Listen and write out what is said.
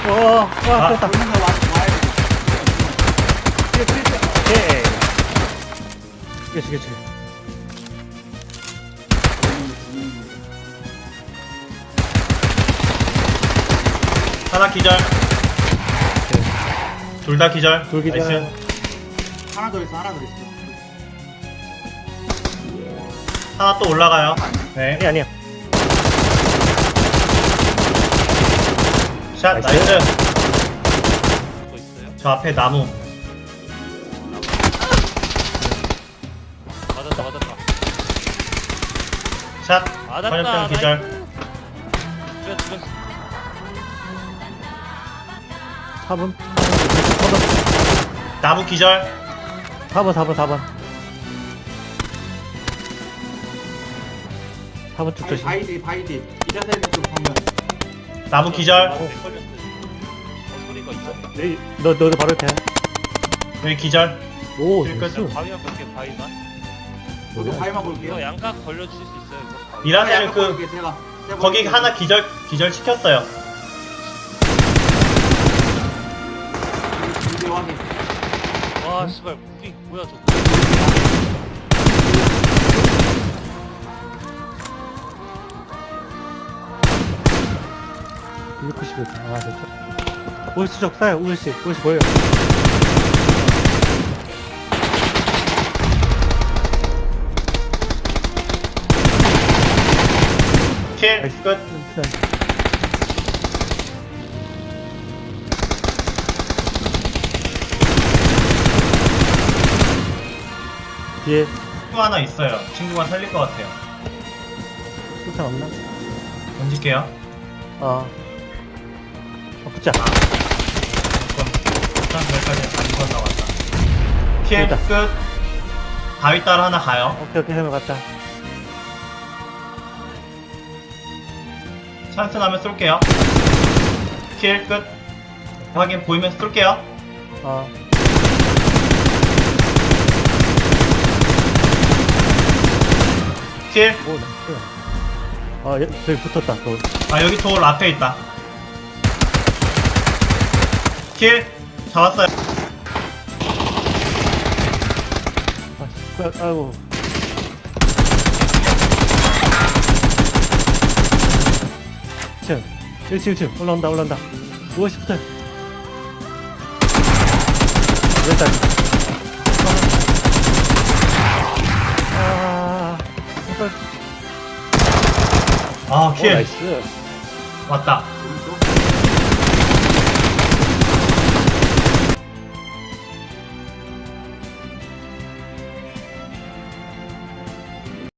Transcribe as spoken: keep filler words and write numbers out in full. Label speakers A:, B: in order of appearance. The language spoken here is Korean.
A: 와, 와,
B: 아.
A: 됐다.
C: 돌면서 와, 와야 돼.
A: 오케이. 그치, 그치.
B: 하나 기절. 둘 다 기절.
A: 둘 기절.
B: 나이스.
C: 하나 더 있어, 하나 더 있어.
B: 하나 또 올라가요. 네.
A: 아니, 아니야.
B: 샷,
A: 나이스.
B: 나이스.
D: 또 있어요?
B: 저 앞에 나무.
D: 맞았다 맞았다.
B: 샷.
D: 맞았다.
B: 화염병 기절.
D: 죽여 죽였어.
A: 사 번. 사 번.
B: 나무 기절.
A: 사 번, 사 번, 사 번. 사 번 쭉
C: 바이,
A: 조심.
C: 바이디, 바이디. 이래서 쪽 정면.
B: 나무 기절.
D: 어, 걸렸어. 어, 소리가 있어.
A: 에이, 너, 너도 바로 돼.
B: 여기 기절.
A: 오,
B: 딜
A: 나이스.
D: 바위만 볼게 바위만.
C: 저도 바위만 볼게요.
D: 이거 양각 걸려주실 수 있어요. 이거 바위.
B: 일하시는
C: 약간
B: 그
C: 볼게요, 제가. 제가
B: 거기
C: 볼게요.
B: 하나 기절 기절 시켰어요.
C: 이제 확인.
D: 와 씨발 무기 뭐야 저거.
A: 이백구십 일. 아, 됐죠. 울씨 적 쏴요, 울씨. 울씨 보여요.
B: 킬
A: 나이스.
B: 끝.
A: 뒤에
B: 친구 하나 있어요. 친구가 살릴 것 같아요.
A: 수탄 없나?
B: 던질게요.
A: 어. 어, 붙자.
B: 그럼 일단 여기까지 안 건너 왔다. 킬
A: 됐다.
B: 끝. 바위 따라 하나 가요.
A: 오케이, 오케이, 하면 갔다.
B: 찬스 나면 쏠게요. 킬 끝. 확인 보이면서 쏠게요.
A: 어.
B: 킬.
A: 오, 나이스. 어, 여, 저기 붙었다, 또.
B: 아 여기 돌 앞에 있다. 킬. 잡았어요.
A: 아, 씨, 아, 아이고. 층. 일 층, 일 층. 올라온다, 올라온다. 오십 붙어. 됐다. 아, 이걸.
B: 아
A: 오,
B: 킬.
A: 나이스.
B: 왔다.
C: 오른쪽.